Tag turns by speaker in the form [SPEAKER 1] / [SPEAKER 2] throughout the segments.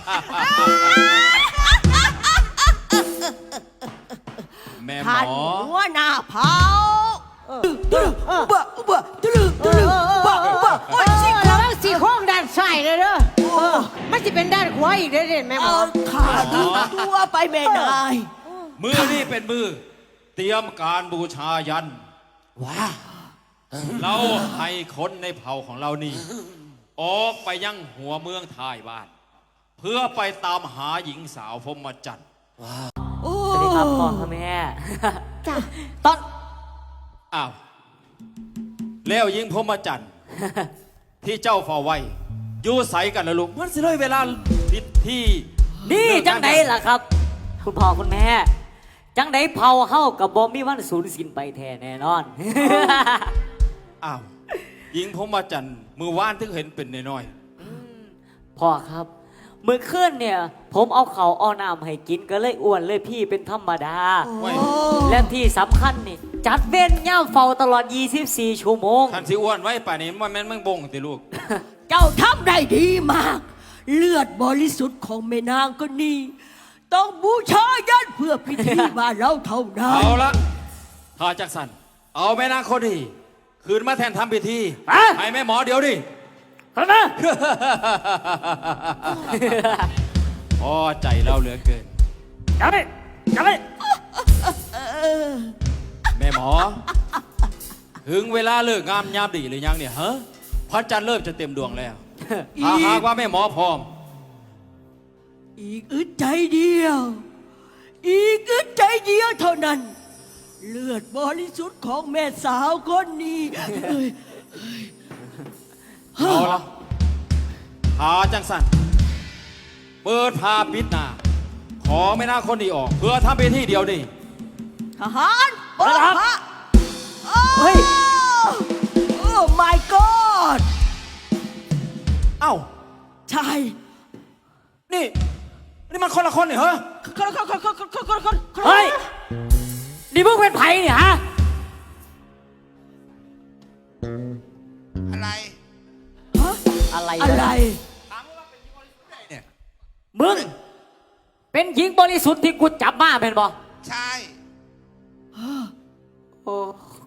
[SPEAKER 1] แม่หม
[SPEAKER 2] ท่าน
[SPEAKER 1] อ
[SPEAKER 2] หัวหน้าเผาโอ้ยสิ
[SPEAKER 3] ระวังสี่โค้งด้านซ้ายเลยเด้อมันจะเป็นด้านขวาอีกเด้อเด่นแม่หมอ
[SPEAKER 2] ขาดึงตัวไปแม่นาย
[SPEAKER 1] มือนี่เป็นมือเตรียมการบูชายัน
[SPEAKER 4] ว้า
[SPEAKER 1] เราให้คนในเผ่าของเรานี่ ออกไปยังหัวเมืองท้ายบ้าน เพื่อไปตามหาหญิงสาวพรหมจันทร์
[SPEAKER 5] สวัสดีครับพ่อค่ะแม่
[SPEAKER 3] จ้ะ
[SPEAKER 5] ตอน
[SPEAKER 1] อ้าวแล้วหญิงพรหมจันทร์ ที่เจ้าเฝ้าไว้อยู่ใสกันนะลูกมันสิเลยเวลาผิดที่
[SPEAKER 5] นี่จังไดล่ะครับ คุณพ่อคุณแม่ จังไดเผาเฮากับบอมมี่วันสูญสิ้นไปแท้แน่นอน
[SPEAKER 1] อ้าวหญิงพรหมจันทร์มือว่านถึงเห็นเป็นน้อย
[SPEAKER 5] พ่อครับมื้อคืนเนี่ย ผมเอาเขาวเอาน้ำให้กินก็เลยอ้วนเลยพี่เป็นธรรมดา
[SPEAKER 1] ๆไว้
[SPEAKER 5] และที่สำคัญนี่ จัดเว้นย่ามเฝ้าตลอด 24 ชั่วโมง
[SPEAKER 1] ท่านสิอ้วนไว้ป่านนี้มันแม่นมั่งบงติลูก
[SPEAKER 2] เจ้าทำได้ดีมาก เลือดบริสุทธิ์ของแม่นางก็นี่ต้องบูชายันเพื่อพิธีบ้านเราเท่านั้น
[SPEAKER 1] เอาละถ้าจักสันเอาแม่นางคนดีคืนมาแทนทำพิธี
[SPEAKER 5] อะ
[SPEAKER 1] ให้แม่หมอเดี๋ยวดิ
[SPEAKER 5] ครับนะ
[SPEAKER 1] พอใจเราเหลือเกิน
[SPEAKER 5] จับไปจับไป
[SPEAKER 1] แม่หมอ ถึงเวลาเลิกงามยามดีหรือยังเนี่ยฮะพระจันทร์เริ่มจะเต็มดวงแล้วถ้าหากว่าแม่หมอพร้อม
[SPEAKER 2] อีกอึดใจเดียว อีกอึดใจเดียวเท่านั้น เลือดบริสุทธิ์ของแม่สาวคนนี้เอ้ย
[SPEAKER 1] เอาละหาจังสันเปิดพาปิดหน้าขอแม่นางคนนี้ออก เพื่อทำพิธีเดียวนี่
[SPEAKER 2] ทหารเปิดพระ
[SPEAKER 5] เฮ้ย
[SPEAKER 2] โอ้ my god
[SPEAKER 1] เอ้า
[SPEAKER 2] ใช่
[SPEAKER 1] นี่มันคนละคนนี่เหรอ
[SPEAKER 2] คน
[SPEAKER 5] เฮ้ย นี่มึงเป็นไผ่เนี่ยฮะ
[SPEAKER 4] อะไร
[SPEAKER 5] อะไร
[SPEAKER 2] อะไร
[SPEAKER 5] มึง เป็นหญิงบริสุทธิ์ที่กูจับมาเป็นบ่
[SPEAKER 4] ใช่
[SPEAKER 5] โอ้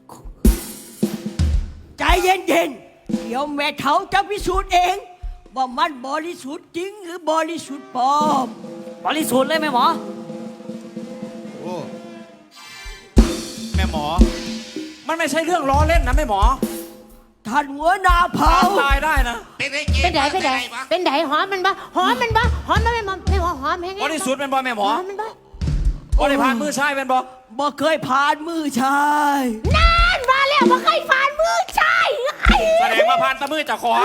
[SPEAKER 2] ใจเย็นๆ เดี๋ยวแม่เฒ่าจะพิสูจน์เอง ว่ามันบริสุทธิ์จริงหรือบริสุทธิ์ปลอม
[SPEAKER 5] บริสุทธิ์เลยไหมหมอ
[SPEAKER 4] โอ้
[SPEAKER 1] แม่หมอ มันไม่ใช่เรื่องล้อเล่นนะแม่หมอ
[SPEAKER 2] ท่านหัวหน้าเผา
[SPEAKER 1] ตายได้นะ
[SPEAKER 4] เป็นไอ้เกม
[SPEAKER 3] เป็นได
[SPEAKER 4] วะ
[SPEAKER 3] เป็นได
[SPEAKER 4] วะ
[SPEAKER 3] เป็นไดหอมมันบ่หอมมันบ่หอมมันไม่หอมไม่หอมหอมแห้ง
[SPEAKER 1] บริสุทธิ์เป็นบอแม่หมอ
[SPEAKER 3] หอมมันบ่
[SPEAKER 1] บริพานมือชายเป็นบอ
[SPEAKER 2] บ่เคยผ่านมือชาย
[SPEAKER 3] นั่นมาแล้วบ่เคยผ่านมือชาย
[SPEAKER 1] แสดงว่าพานตะมือจากของ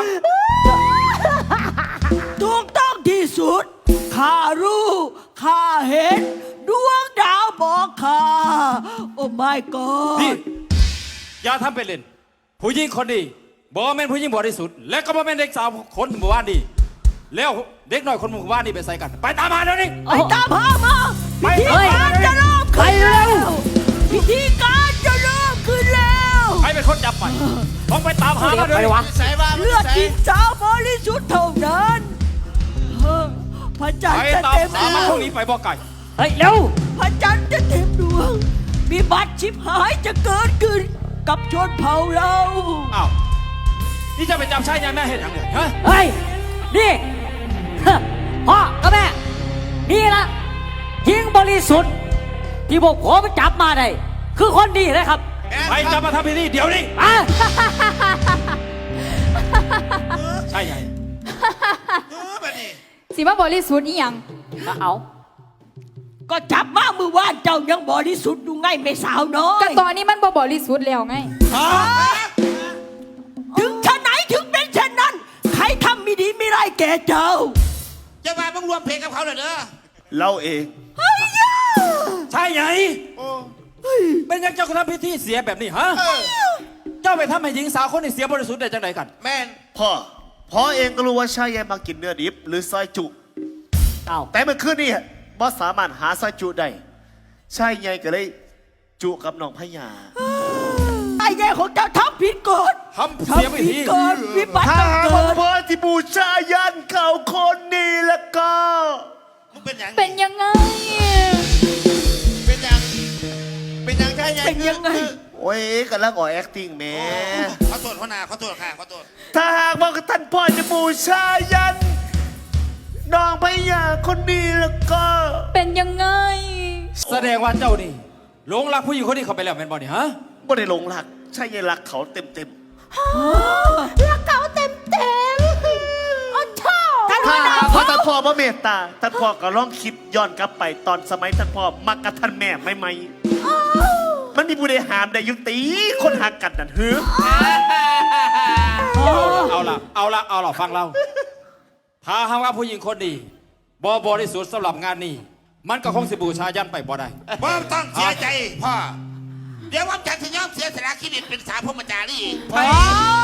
[SPEAKER 2] ถูกต้องที่สุด ข้ารู้ ข้าเห็น ดวงดาวบอกข้า โอ้ my
[SPEAKER 1] นี่
[SPEAKER 2] god
[SPEAKER 1] อย่าทำเป็นเล่น ผู้หญิงคนดีบอแม่นผู้หญิงบริสุทธิ์และก็บอแม่นเด็กสาวคนหมู่บ้านดีแล้วเด็กน้อยคนหมู่บ้านนี่ไปใส่กัน ไปตามมาเดี๋ยวนี้
[SPEAKER 2] ไปตามหามา
[SPEAKER 1] ไป
[SPEAKER 2] พิธีการจะเริ่ม
[SPEAKER 5] ไป
[SPEAKER 2] ขึ้น
[SPEAKER 5] เร็
[SPEAKER 2] แล้ว วพิธีการจะเริ่มขึ้นแล้ว
[SPEAKER 1] ใครเป็นคนจับไปต้องไปตามหามาเดี๋ยว
[SPEAKER 5] ไป
[SPEAKER 1] นี้
[SPEAKER 5] วะ
[SPEAKER 4] ใส่ว่า
[SPEAKER 2] เลือดหญิงสาวบริสุทธิ์เท่านั้นพระจันท
[SPEAKER 1] ไป
[SPEAKER 2] ร์จะ
[SPEAKER 1] ตาม
[SPEAKER 2] เต็ม
[SPEAKER 1] หา
[SPEAKER 2] ด
[SPEAKER 1] มัน
[SPEAKER 2] ว
[SPEAKER 1] พว
[SPEAKER 2] ง
[SPEAKER 1] กนี้ไปบอกไก่
[SPEAKER 5] เฮ้ย เร็ว
[SPEAKER 2] พระจันทร์จะเต็มดวง มีบัตรชิบหายจะเกิดขึ้นกับชนเผ่าเรา
[SPEAKER 1] อ้าวนี่จะไปจับชายยังแม่เห็นยังไงฮะ
[SPEAKER 5] เฮ้ย นี่ พ่อกับแม่ นี่ละหญิงบริสุทธิ์ที่พวกผมจับมาได้ คือคนดีนะครับ
[SPEAKER 1] ไปจับมาทำพิธีเดี๋ยวนี้
[SPEAKER 5] อ่ะ
[SPEAKER 1] ใช่ไง
[SPEAKER 4] แบบนี้
[SPEAKER 6] สิว่าบริสุทธิ์อีหยัง
[SPEAKER 5] เอา
[SPEAKER 2] ก็จับมามือว่านเจ้ายังบริสุทธิ์ดูไงไม่สาวน้อย
[SPEAKER 6] ก็ตอนนี้มันบ่บริสุทธิ์แล้วไง
[SPEAKER 2] ถึงชะไหนถึงเป็นเช่นนั้น ใครทำไม่ดีไม่ไรายแก่เจ้า
[SPEAKER 4] จะมาต้องรวมเพลงกับเขาเลยเด้อ
[SPEAKER 7] เราเอง
[SPEAKER 1] ใช่ไง
[SPEAKER 4] โอ้
[SPEAKER 1] เป็นยังเจ้าก็ทำพิธีเสียแบบนี้ฮะ เจ้าไปทำให้หญิงสาวคนนี้เสียบริสุทธิ์ได้จังไดกัน
[SPEAKER 4] แม่น
[SPEAKER 7] พ่อเองก็รู้ว่าชายใหญ่มากินเนื้อดิบหรือซอยจุ
[SPEAKER 5] เอา
[SPEAKER 7] แต่เมื่อคืนนี่บ่สามารถหาซอยจุได้ชายใหญ่ก็เลยจุกับน้องพญา
[SPEAKER 2] ไอ้แย่ของเจ้าทำผิดกฎ
[SPEAKER 1] ทำเสียพิ
[SPEAKER 2] ผิด
[SPEAKER 1] ธี
[SPEAKER 2] กฎวิบัติ
[SPEAKER 7] ถ้า
[SPEAKER 2] ต้อง
[SPEAKER 7] หาก
[SPEAKER 2] เกิ
[SPEAKER 7] ว่า
[SPEAKER 2] ด
[SPEAKER 7] พ่อที่บูชายันเขาคนนี้แล้วก็
[SPEAKER 4] เป็นอย่าง
[SPEAKER 6] เป็นยังไง
[SPEAKER 4] เป็นอย่างเป็นอย่างใช่ไง
[SPEAKER 2] เป็นยังไง
[SPEAKER 7] โอ้ยกันแล้วก่อ acting แหม่
[SPEAKER 4] ขอโทษพ่อนาขอโทษค่ะขอโทษ
[SPEAKER 7] ถ้าหากว่าท่านพ่อจะบูชายันน้องพญาคนนี้แล้วก็
[SPEAKER 6] เป็นยังไง
[SPEAKER 1] แสดงว่าเจ้านี่หลงรักผู้หญิงคนนี้เขาไปแล้วแม่นบ่นี่ฮะ
[SPEAKER 7] ไม่ได้หลงรักใช่ยังรักเขาเต็ม
[SPEAKER 3] รักเขาเต็มอ๋อชอบ
[SPEAKER 7] ๆถ้าหากว่าท่านพ่อพระเมตตาท่านพ่อก็ลองคิดย้อนกลับไปตอนสมัยท่านพ่อมักกับท่านแม่ไม่ไหมมันมีผู้ใดหามได้ยุติคนหักกันนั่นหือ
[SPEAKER 1] เอาละฟังเรา ถ้าหากว่าผู้หญิงคนนี้บ่บริสุทธิ์สำหรับงานนี้ มันก็คงสิบูชายันไปบ่ได้
[SPEAKER 4] พ่อต้องเสียใจพ่อเดี๋ยวว่าจะยอมเสียสละชีวิตเป็นสาวพรหมจารี
[SPEAKER 2] อ๋อ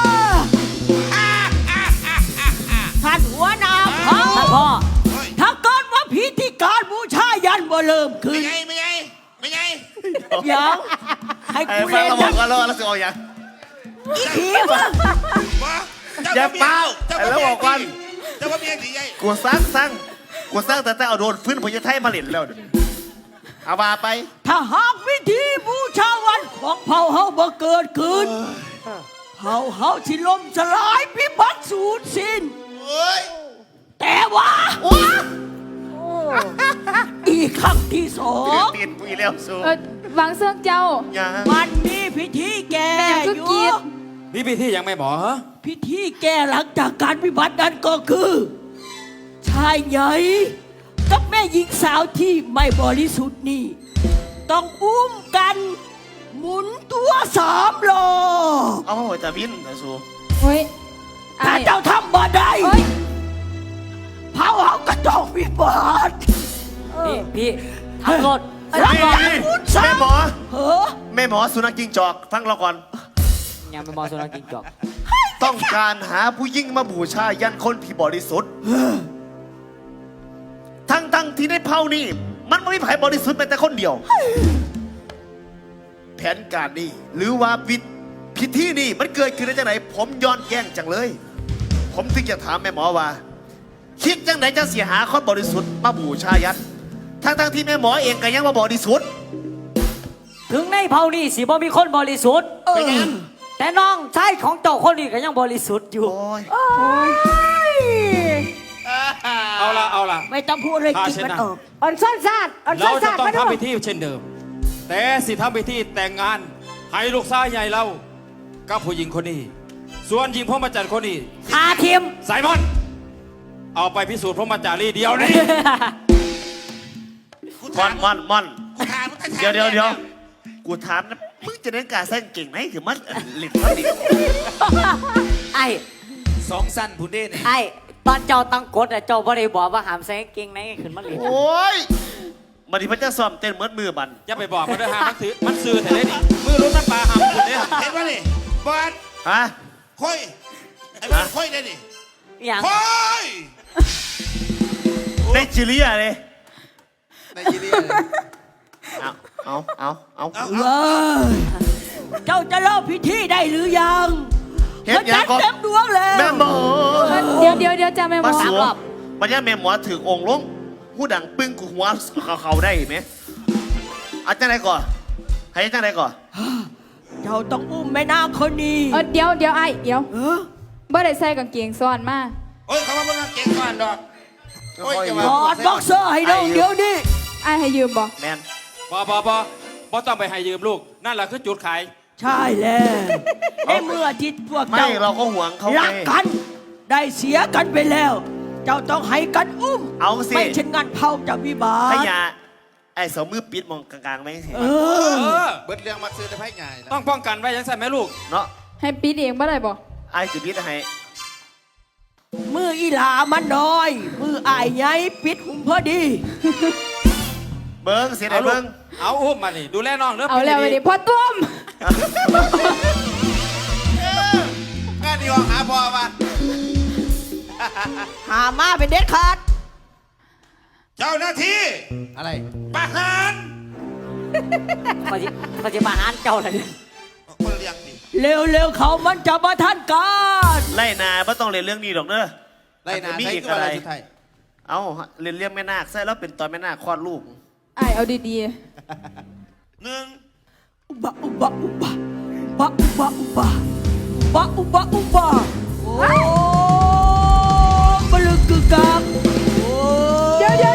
[SPEAKER 2] ท่านหัวหน้าเผ่า
[SPEAKER 5] ท่านพ่อ
[SPEAKER 4] เฮ้ย
[SPEAKER 2] ถ้าเกิดว่าพิธีการบูชายันบ่เริ่มขึ้
[SPEAKER 4] ไม่
[SPEAKER 2] น
[SPEAKER 4] ไงไม่ไงไม่ไง
[SPEAKER 2] ยังให้
[SPEAKER 7] ไอ้
[SPEAKER 2] กู
[SPEAKER 7] ฟัง
[SPEAKER 2] เล่น
[SPEAKER 7] เราบอ
[SPEAKER 2] นะ
[SPEAKER 7] กก็รอแล้วจะเอาอย่าง
[SPEAKER 2] อีผีมึง
[SPEAKER 4] พ่อ
[SPEAKER 7] อย่าเป้า
[SPEAKER 4] เจ้า
[SPEAKER 7] แล้วบอกก่อน
[SPEAKER 4] เจ้าพ่อเมียดีไง
[SPEAKER 7] กูสร้างแต่เอาโดนฟื้นพญาไทยมาเล่นแล้วเดี๋ยวนี้เอามาไป
[SPEAKER 2] ถ้าหากวิธีบูชาวันของเผ่าเฮาบ่เกิดขึ้นเผ่าเฮาสิล่มสลายพิบัติสูญสิ้น
[SPEAKER 4] เฮ้ย
[SPEAKER 2] แต่ว่าอีกครั้งที่สอง
[SPEAKER 7] เปลี่ยนปุยแล้วสู้
[SPEAKER 6] วางเสื้อเจ้า
[SPEAKER 7] อย่า
[SPEAKER 2] มันมีพิธีแก่
[SPEAKER 6] แม่ก็
[SPEAKER 2] อยู่
[SPEAKER 6] เกลียด
[SPEAKER 1] นี่พิธียังไม่หมอฮะ
[SPEAKER 2] พิธีแก่หลังจากการพิบัตินั้นก็คือ ชายใหญ่กับแม่หญิงสาวที่ไม่บริสุทธิ์นี่ ต้องอุ้มกันหมุนตัว3 รอบ
[SPEAKER 7] เอาหัวตาวินนะสู้
[SPEAKER 6] เฮ้ย
[SPEAKER 2] ถ้า
[SPEAKER 6] ไอ้
[SPEAKER 2] เจ้าทำบ่ได้
[SPEAKER 6] เฮ้ย
[SPEAKER 2] เผาเฮาก็ต้องพิบัติ
[SPEAKER 5] นี่พี่ทำรถ
[SPEAKER 2] รับ
[SPEAKER 7] นี่
[SPEAKER 2] รอง
[SPEAKER 7] นี่
[SPEAKER 2] พุทธ
[SPEAKER 7] แม่หมอ
[SPEAKER 2] เฮ้อ
[SPEAKER 7] แม่หมอสุนัขจิ้งจอกฟังเราก่อน
[SPEAKER 5] ยังไม่มองสุนัขกินจอก
[SPEAKER 7] ต้องการหาผู้ยิ่งมาบูชายันคนที่บริสุทธิ์ทั้งที่ในเผ่านี่มันไม่มีไผ่บริสุทธิ์แม้แต่คนเดียว แผนการนี้หรือว่าพิธีนี่มันเกิดขึ้นได้จากไหนผมย้อนแย้งจังเลย ผมถึงจะถามแม่หมอว่า คิดจังไหนจะเสียหาคนบริสุทธิ์มาบูชายันทั้งที่แม่หมอเองก็ยังมาบริสุทธิ์
[SPEAKER 5] ถึงในเผ่านี่สิบ่มีคนบริสุทธิ์
[SPEAKER 7] เป็นไง
[SPEAKER 5] แต่น้องชายของเจ้าคนนี้ก็ยังบริสุทธิ์อยู่
[SPEAKER 7] โอ้ย
[SPEAKER 1] เอาละ
[SPEAKER 2] ไม่ต้องพูดเลยจิตมันออก
[SPEAKER 3] อ่อนซ่อนซาดอ่อนซ่
[SPEAKER 1] เรา
[SPEAKER 3] อน
[SPEAKER 1] จะ
[SPEAKER 3] ซาด
[SPEAKER 1] ต้อง
[SPEAKER 3] มาดู
[SPEAKER 1] ทำพิธีเช่นเดิม แต่สิทำพิธีแต่งงานให้ลูกชายใหญ่เรากับผู้หญิงคนนี้ ส่วนหญิงพรหมจรรย์คนนี้
[SPEAKER 5] คาทีม
[SPEAKER 1] ไซมอน เอาไปพิสูจน์พรหมจารีเดียวนี้
[SPEAKER 4] กู
[SPEAKER 7] ม
[SPEAKER 4] ถา
[SPEAKER 7] อ
[SPEAKER 4] ม
[SPEAKER 7] นม่อนม่อน
[SPEAKER 4] กูถามมึงก็ถาม
[SPEAKER 7] เดี๋ยวกูถามนะมึงจะเล่นการแสดงเก่งไหมถือมันหลิบมันดิ
[SPEAKER 5] ไอ้
[SPEAKER 4] สองสั้นพูดได้เนี่ย
[SPEAKER 5] ไอ้ตอนเจ้าตั้งกฎอะเจ้าบ่ได้บอกว่าหามใส่กางเกงในขึ้นมาเลย
[SPEAKER 7] โอ้ยมันที่พระเจ้าซ้อมเต้นเหมือนมือมัน
[SPEAKER 1] อย่าไปบอกมันด้วยฮะมันซื้อแต่เลยนี่มือรุ่นน้ำปลาหำคุณเนี่ย
[SPEAKER 4] เห็นป่ะนี่บอส
[SPEAKER 7] ฮะ
[SPEAKER 4] ค่อยไอ้บอสค่อยได้ดิ
[SPEAKER 5] อย่าง
[SPEAKER 4] ค่อย
[SPEAKER 7] ในจิเลียเลย
[SPEAKER 4] ในยีเรีย
[SPEAKER 7] เอา
[SPEAKER 4] เอา
[SPEAKER 2] เว้ยเจ้าจะเล่าพิธีได้หรือยัง
[SPEAKER 7] เห็นยังก็
[SPEAKER 2] เต็มดวงแล้ว
[SPEAKER 7] แม่หมอ
[SPEAKER 6] เดี๋ยวจ้าแม่หม
[SPEAKER 7] มา
[SPEAKER 6] อ
[SPEAKER 7] สวมมันยังแม่หมอถือองค์ลงผู้ดังปึ้งกูหัวเขาได้ไหมเอาจังไหนก่อนให้จังไหนก่อน
[SPEAKER 2] เจ้าต้องอุ้มแม่นางคนนี้
[SPEAKER 6] เดี๋ยวไอ้เดี๋ยว
[SPEAKER 2] เออ
[SPEAKER 6] บ่ได้ใส่กางเกงซ้อนมา
[SPEAKER 4] โอ้ยเขาว่ามึงเก่งก่อนดอกโอ้ยจะ
[SPEAKER 2] ถอดบ็อกเซอร์ให้น้องเดี๋ยวนี้
[SPEAKER 6] ไอ้ให้ยืมบ่
[SPEAKER 7] แมน
[SPEAKER 1] บอต้องไปให้ยืมลูก นั่นแหละคือจุดขาย
[SPEAKER 2] ใช่แล้วในเมื่อที่พวก
[SPEAKER 7] ไม่
[SPEAKER 2] เจ้า
[SPEAKER 7] เราก็ห่วงเขา
[SPEAKER 2] รัก
[SPEAKER 7] ไง
[SPEAKER 2] กัน ได้เสียกันไปแล้ว เจ้าต้องให้กันอุ้ม
[SPEAKER 7] เอาสิ
[SPEAKER 2] ไม่เช่นงั้นเผาจะวิบา
[SPEAKER 7] ข
[SPEAKER 2] ท
[SPEAKER 7] ยะไอ้สองมือปิดมองกลางๆไหมสิ
[SPEAKER 2] เอ
[SPEAKER 1] เอ
[SPEAKER 2] อ
[SPEAKER 1] อ
[SPEAKER 4] เบิดเรื่องมักซื้อได้ไพ่ง่ายนะ
[SPEAKER 1] ต้องป้องกันไว้ยังใส่ไหมลูก
[SPEAKER 7] เนาะ
[SPEAKER 6] ให้ปิดเองบ่ได้บ่
[SPEAKER 7] ไอ้สิปิดให้
[SPEAKER 2] มืออีหลามันน้อย มืออายใหญ่ปิดหุ่มพอดี
[SPEAKER 7] เบิ้งเสียไหน
[SPEAKER 1] เอาลู
[SPEAKER 7] เบิ้
[SPEAKER 1] ก
[SPEAKER 7] ง
[SPEAKER 1] เอาอุ้มมานี่ดูแลน้องเด้อ
[SPEAKER 6] เอาแล้ว
[SPEAKER 1] ปี
[SPEAKER 6] ไว้
[SPEAKER 1] นี้
[SPEAKER 6] ดิพ่อตุ้ม
[SPEAKER 4] งานดีออกหาพ่อมา
[SPEAKER 2] หามาเป็นเด็ดขาด
[SPEAKER 4] เจ้าหน้าที่
[SPEAKER 1] อะไร
[SPEAKER 4] ประหาร
[SPEAKER 5] เขาจะมาหารเจ้าเลย
[SPEAKER 4] คนเรียงดิ
[SPEAKER 2] เร็วๆเขามันจะมาทันการ
[SPEAKER 7] ไล่นาไม่ต้องเรียนเรื่องนี้หรอกเนอะ
[SPEAKER 4] ไล่นา
[SPEAKER 7] มี
[SPEAKER 4] ใช้
[SPEAKER 7] อีก
[SPEAKER 4] ตัว
[SPEAKER 7] อะ
[SPEAKER 4] อะไร ไรสุดท้าย
[SPEAKER 7] เอาเรียนเรียกแม่นาคใส่แล้วเป็นตอนแม่นาคคลอดลูก
[SPEAKER 6] ไอ้ายเอาดี
[SPEAKER 4] หนึ่ง
[SPEAKER 2] อุบะอุบะอุบะอุบะอุบะอุบะอุบะอุบะโอ้บลึกกึกกักโอ้
[SPEAKER 6] ๆเดี๋ยว
[SPEAKER 7] เดี๋ยว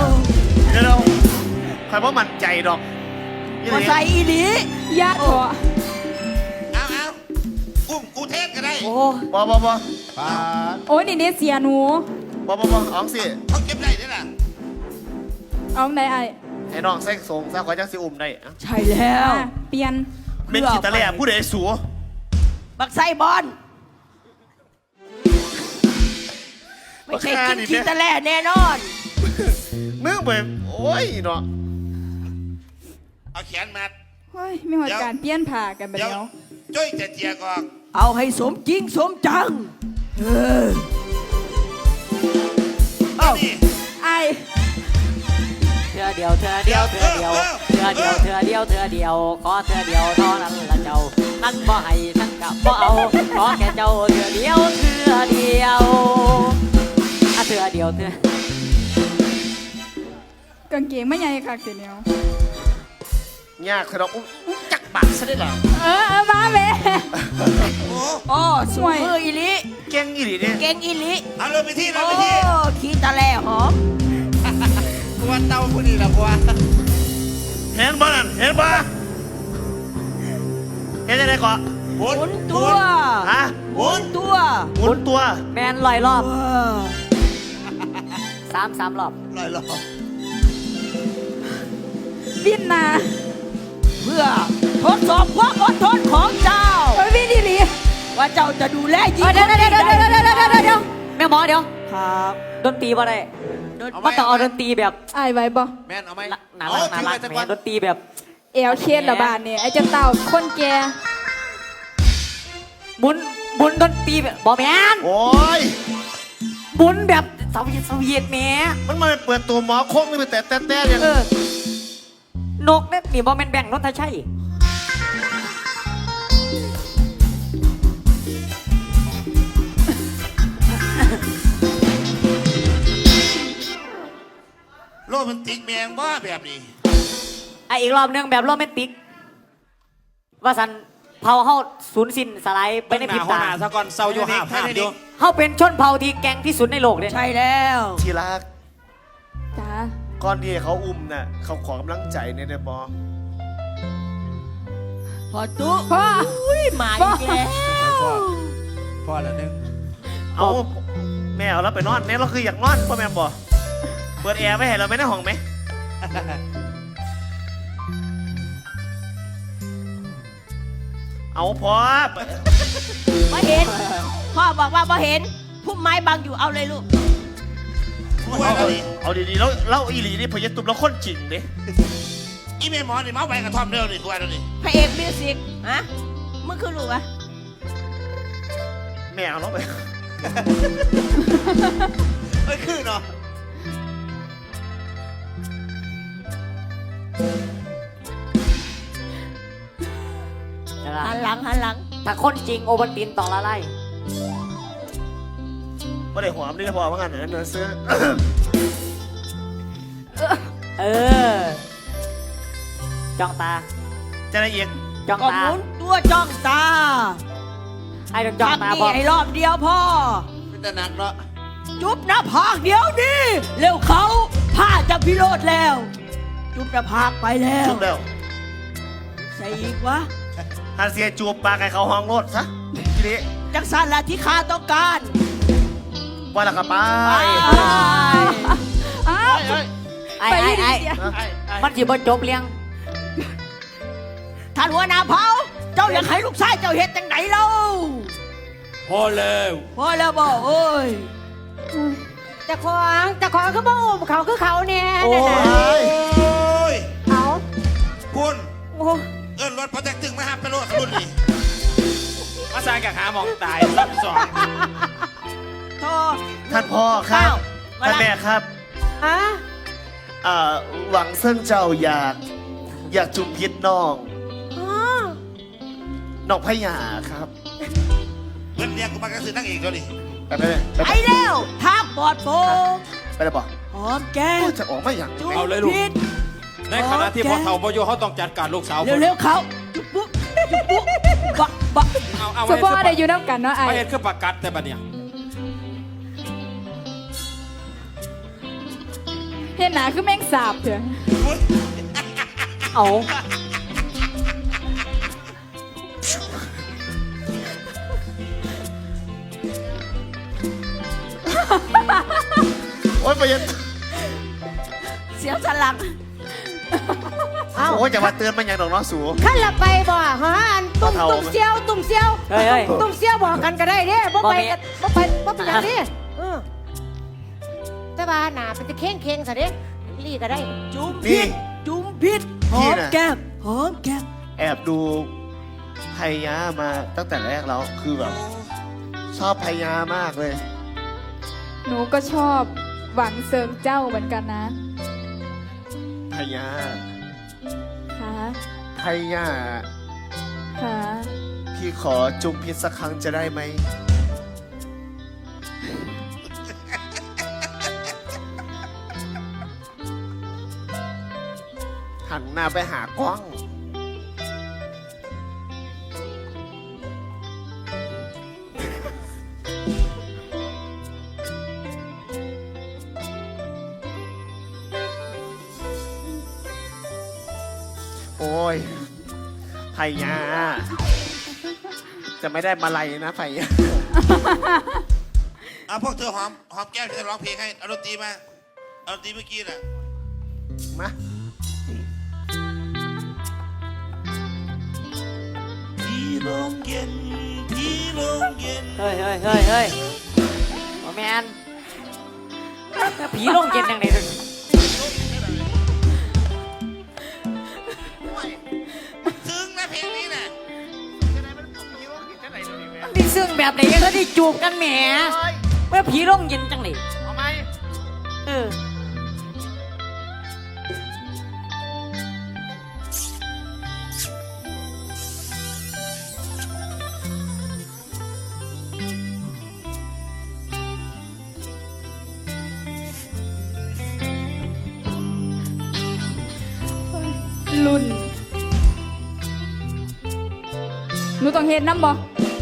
[SPEAKER 7] ใครว่ามั่นใจดอกนี่
[SPEAKER 2] มา
[SPEAKER 7] เลย
[SPEAKER 2] ใส่อีหลี
[SPEAKER 6] ญาติขอ
[SPEAKER 4] เอาอุ้มกูเทศก็ได้
[SPEAKER 2] โอ้
[SPEAKER 7] บอบอ
[SPEAKER 4] ปาด
[SPEAKER 6] โอ้ยนี่เนี่ยเสียหนู
[SPEAKER 7] บอบอ๋องสิ
[SPEAKER 4] เขาเก็บได้ด้วยล่ะ
[SPEAKER 6] เอาไหนไอ้าย
[SPEAKER 7] ให้น้องแซงทรงซะขอจังสิอุ้มได้อะ
[SPEAKER 2] ใช่แล้ว
[SPEAKER 6] อ่ะเปลี่ยน
[SPEAKER 7] เป็นขีตะแล่ผู้ใดสัว
[SPEAKER 2] บักไส้บอลไม่ใช่กินขี้ตะแล่แน่นอน
[SPEAKER 7] มึงไปโอ้ยเนาะ
[SPEAKER 4] เอาแขนมัด
[SPEAKER 6] เฮ้ยไม่หอดการเปลี่ยนผ่ากันไป
[SPEAKER 4] เดี๋ยว
[SPEAKER 6] แล้ว
[SPEAKER 4] จ้อยจะเจียกออก
[SPEAKER 2] เอาให้สมจริงสมจังเออ
[SPEAKER 4] เอานี่
[SPEAKER 6] ไอ้าย
[SPEAKER 5] เธอเดียวเธอเดียวเธอเดียวเธอเดียวเธอเดียวเธอเดียวขอเธอเดียวเท่านั้นละเจ้านั่นบ่ให้ทั้งกับบ่เอาขอแค่เจ้าเธอเดียวเธอเดียวอ่ะเธอเดียวเธอก
[SPEAKER 6] างเกงไม่ใหญ่คักเสียแนวย
[SPEAKER 7] ากคือเราอุ้มจักบาทซะได้หรอ
[SPEAKER 6] มาแม่
[SPEAKER 4] โอ้
[SPEAKER 2] อ๋อสวยมืออีหลิ
[SPEAKER 7] เก่งอีหลีเนี่ย
[SPEAKER 2] เก่งอีหลิ
[SPEAKER 4] เอาเลยไปที่เลย
[SPEAKER 2] โอ้
[SPEAKER 4] ไปที่
[SPEAKER 2] ขี้ตะแล่หอม
[SPEAKER 4] กวนเต้าผู้นี้ละกวน
[SPEAKER 7] เห็นบ่นั่นเห็นบ่เห็นอะไรก่อน
[SPEAKER 4] หมุน
[SPEAKER 2] หมุนตัว
[SPEAKER 7] ฮะ
[SPEAKER 4] หมุน
[SPEAKER 2] ตัว
[SPEAKER 7] หมุนตัว
[SPEAKER 5] แมนลอยรอบ
[SPEAKER 2] ว้า
[SPEAKER 5] สามรอบ
[SPEAKER 4] ลอยลอย
[SPEAKER 6] บินนา
[SPEAKER 2] เพื่อทดสอบความอดทนของเจ้า
[SPEAKER 6] เฮ้ยบินดีหลี
[SPEAKER 2] ว่าเจ้าจะดูแลหญิง
[SPEAKER 5] เดี๋ยว
[SPEAKER 2] คนนี้ได้
[SPEAKER 5] แม่หมอเดี๋ยว
[SPEAKER 2] ครับ
[SPEAKER 5] ดนตรีบ่ได้มันต้องเอาดนตรีแบบ
[SPEAKER 6] ไอ้ายไหวบ่
[SPEAKER 4] แม่นเอาไหม
[SPEAKER 5] น่ารักน่ารักแม่ดนตรีแบบ
[SPEAKER 6] เอวเคสละบาทเนี่ยไอ้เจ้าเต่าคนแก่
[SPEAKER 5] หมุนดนตรีแบบบอแมน
[SPEAKER 7] โอ้ย
[SPEAKER 5] หมุนแบบสวีทแหม่
[SPEAKER 7] มันมาเปิดตัวหมอโค้งนี่ไปแต่เนี่ย
[SPEAKER 5] นกเนี่ยนี่บอแมนแบ่งรถทชัย
[SPEAKER 4] โรแมนติกแมงบ้าแบบนี้
[SPEAKER 5] ไออีกรอบหนึงแบบโรแมนติก ว่าสันเผาเฮาสูญสิ้นสลายไปในพริบตา
[SPEAKER 1] สะก่อนเศร้าอยู่ห้าภาพอยู่
[SPEAKER 5] เฮาเป็นชนเผ่าที่แกร่งที่สุดในโลกเนี่ย
[SPEAKER 2] ใช่แล้ว
[SPEAKER 7] ทีรัก
[SPEAKER 6] จ้า
[SPEAKER 7] ก่อนที่เขาอุ้มน่ะเขาขอกำลังใจเนี่ยได้บอ
[SPEAKER 2] พอตุ๊
[SPEAKER 6] พ่อ
[SPEAKER 2] อุ้ยมาอีกแล้ว
[SPEAKER 4] พอแล้วนึง
[SPEAKER 7] เอาแม่เอาแล้วไปนอนเนี่ยเราคืออยากนอนพ่อแม่บอเปิดแอร์ไว้ให้เราไม่ได้ห้องไหม เอาพอ
[SPEAKER 2] มาเห็น พ่อบอกว่ามาเห็นพุ่มไม้บังอยู่เอาเลยลูก
[SPEAKER 7] เอาดีๆแล้วอีหลีนี่พยตุบแล้วคนจริงดิ
[SPEAKER 4] อีเมหมอนี่เมาไปกระท่อมเร็วนี่กวนเร็วนี่
[SPEAKER 2] พระเอกมิวสิกฮะมึงคือลูกอะ
[SPEAKER 7] แม่เอาแล้วไป
[SPEAKER 4] ไม่คือเนาะ
[SPEAKER 2] หันหลังหันหลัง
[SPEAKER 5] ถ้าคนจริงโอบันตินต่อละไล่
[SPEAKER 7] ไม่ได้หอมนี่ก็พอว่างั้นเนื้อซื้อ
[SPEAKER 5] เออจ้องตา
[SPEAKER 7] จะได้อีก
[SPEAKER 5] จ้อง
[SPEAKER 2] ก็ห
[SPEAKER 5] ตา
[SPEAKER 2] มุนตัวจ้องตา
[SPEAKER 5] ไอ้ต้องจ้องตา
[SPEAKER 2] ทำ
[SPEAKER 5] พอ
[SPEAKER 2] นี่ให้รอบเดียวพ่อ
[SPEAKER 4] เป็นตะหนักเนาะ
[SPEAKER 2] จุ๊บหน้าผากเดี๋ยวนี้เร็วเขาผ้าจะพิโรธแล้ว จุ๊บหน้าผากไปแล้ว
[SPEAKER 7] จุบแล้ว
[SPEAKER 2] ใส่อีกวะ
[SPEAKER 7] ฮันเซียจูบปลาไก่เขาห้องรถซะทีนี้
[SPEAKER 2] จักสันละที่ข้าต้องการ
[SPEAKER 7] ว่าและครับไป
[SPEAKER 6] อ้าว
[SPEAKER 5] ไอ้
[SPEAKER 6] ไป
[SPEAKER 5] ไอ้
[SPEAKER 6] ดี
[SPEAKER 5] ไอ้
[SPEAKER 6] เสีย
[SPEAKER 5] มันจีบจบเลี้ยง
[SPEAKER 2] ท่านหัวหน้าเผาเจ้าอยากให้ลูกชายเจ้าเฮ็ดจังไหนเล่า
[SPEAKER 1] พอแล้ว
[SPEAKER 2] พอแล้วบอกเอ้ย
[SPEAKER 3] แต่ของคือบ่อุ้มเขาคือเขาเนี่ย
[SPEAKER 5] โอ้
[SPEAKER 3] นั่นน่ะ
[SPEAKER 4] โอ้ย
[SPEAKER 3] เอา
[SPEAKER 4] คุณ
[SPEAKER 3] โอ้
[SPEAKER 4] เอิ้นรถพอแตกตึงมาห้ามไปรถขรุ่นนี่
[SPEAKER 1] มาสร้างกับหาหมองตายซ้ำสอง
[SPEAKER 2] โทษ
[SPEAKER 7] ท่านพ่อครับ
[SPEAKER 2] มา
[SPEAKER 7] ท่าน
[SPEAKER 2] ละ
[SPEAKER 7] แม่ครับ
[SPEAKER 3] อะ
[SPEAKER 7] หวังเส้นเจ้าอยากจุบพิษน้อง
[SPEAKER 3] อ๋อ
[SPEAKER 7] น้องพญาครับ
[SPEAKER 4] เงินเรียกกูมากระสือนั่งเอกแล้วนี่
[SPEAKER 7] ไปเลย
[SPEAKER 2] ไปแล้วทางปลอดโปร่ง
[SPEAKER 7] ไปเลยบอก
[SPEAKER 2] หอมแก้ม
[SPEAKER 7] จะออกมาอย่าง
[SPEAKER 2] จุ๊บ
[SPEAKER 1] เอาเลยลูก
[SPEAKER 2] พิษ
[SPEAKER 1] ในขณะที่พ่อเฒ่าพ่อโยเขาต้องจัดการลูกสาว
[SPEAKER 2] เร็วๆเขาจุ๊บปุ๊บจุ๊บปุ๊บบักบัก
[SPEAKER 1] เอา
[SPEAKER 6] สปอร์ได้อยู่น้ำกันเนาะไอ้
[SPEAKER 1] ไม่เห็นคือประกัดแต่บัดเนี่ย
[SPEAKER 6] เห็นหนาคือแมงสาบเถอะ
[SPEAKER 5] เอา
[SPEAKER 7] โอ้ยไปยัน
[SPEAKER 2] เสียสลัก
[SPEAKER 3] เอ้า
[SPEAKER 7] โอ้ยจะมาเตือนมันอย่างดอกน้องสู
[SPEAKER 3] ขั้นละไปบ่ฮะอันตุ่ม
[SPEAKER 7] เอา
[SPEAKER 3] ตุ่มเซียวตุ่มเซียว
[SPEAKER 5] เฮ้ยเฮ้ย
[SPEAKER 3] ตุ่มเซียวบอกกันก็ได้เด้บ่ไป
[SPEAKER 5] บ่มี
[SPEAKER 3] กันบ่ไปบ่เป็นอย่างนี้แต่ว่าหนาเป็นจะเข่งซะเด้ลี่ก็ได้
[SPEAKER 2] จุ๊บพิษจุ๊บพิษหอมแก้มหอมแก้ม
[SPEAKER 7] แอบดูไพยามาตั้งแต่แรกแล้วคือแบบชอบไพยามากเลย
[SPEAKER 6] หนูก็ชอบหวังเซิงเจ้าเหมือนกันนะ
[SPEAKER 7] ไพยา
[SPEAKER 6] ค่ะ
[SPEAKER 7] ไพยา
[SPEAKER 6] ค่ะ
[SPEAKER 7] พี่ขอจุ่มพิษสักครั้งจะได้ไหม หันหน้าไปหากล้อง โอ้ยไพยา จะไม่ได้มาลัยนะไพยา
[SPEAKER 4] พวกเธอหอมแก้มจะร้องเพลงให้เอาดนตรีมาเอาดนตรีเมื่อกี้น่ะ
[SPEAKER 7] มา
[SPEAKER 4] ที่ลมเย็นที่ลมเย็น
[SPEAKER 5] เฮ้ยเฮ้ยเฮ้ยเฮ้ยโอ้แมนผีลงเย็นยังไงเลย
[SPEAKER 4] ซึ้งนะเพลงนี้น่ะ
[SPEAKER 5] มันดีซึ่งแบบไหนยังเขาได้จูบกันแหมเมื่อผีลงเย็นจังเลย
[SPEAKER 7] เอาไหม
[SPEAKER 5] เออ
[SPEAKER 6] รุ่น หนูต้องเห็นน้ำบ่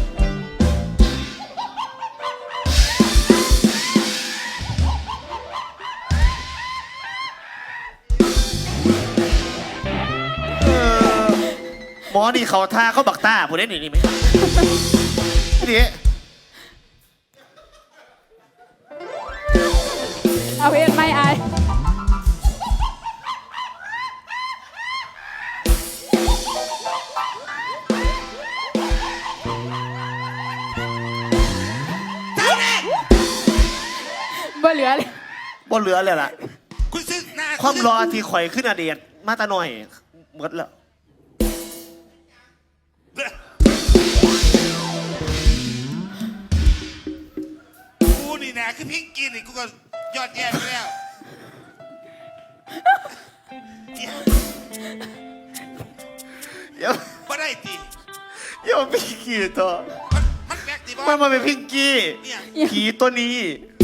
[SPEAKER 7] หมอนี่เขาท่าเขาบักต้าผู้เล่นนี่ไหมนี่
[SPEAKER 6] เอาเห็นไหมไอ้ บ่เหลือเลย
[SPEAKER 7] บ่เหลือเลยล่ะ
[SPEAKER 4] คุณซึ้งหน้า
[SPEAKER 7] ความรอที่ข่อยขึ้นอเดียดมาตาหน่อยหมดแล้ว
[SPEAKER 4] กูนี่นะคือพิงกินนี่กูก็ยอดแย่ไปแล้วเดี๋ยว
[SPEAKER 7] เดี๋ยว
[SPEAKER 4] บ่ได้ตี
[SPEAKER 7] เดี๋ยวพิงกี้ตัว
[SPEAKER 4] มันแบกตีบอ
[SPEAKER 7] มัน
[SPEAKER 4] ล
[SPEAKER 7] มาเป็นพิงกี้
[SPEAKER 4] เนี่ย
[SPEAKER 7] ผีตัวนี้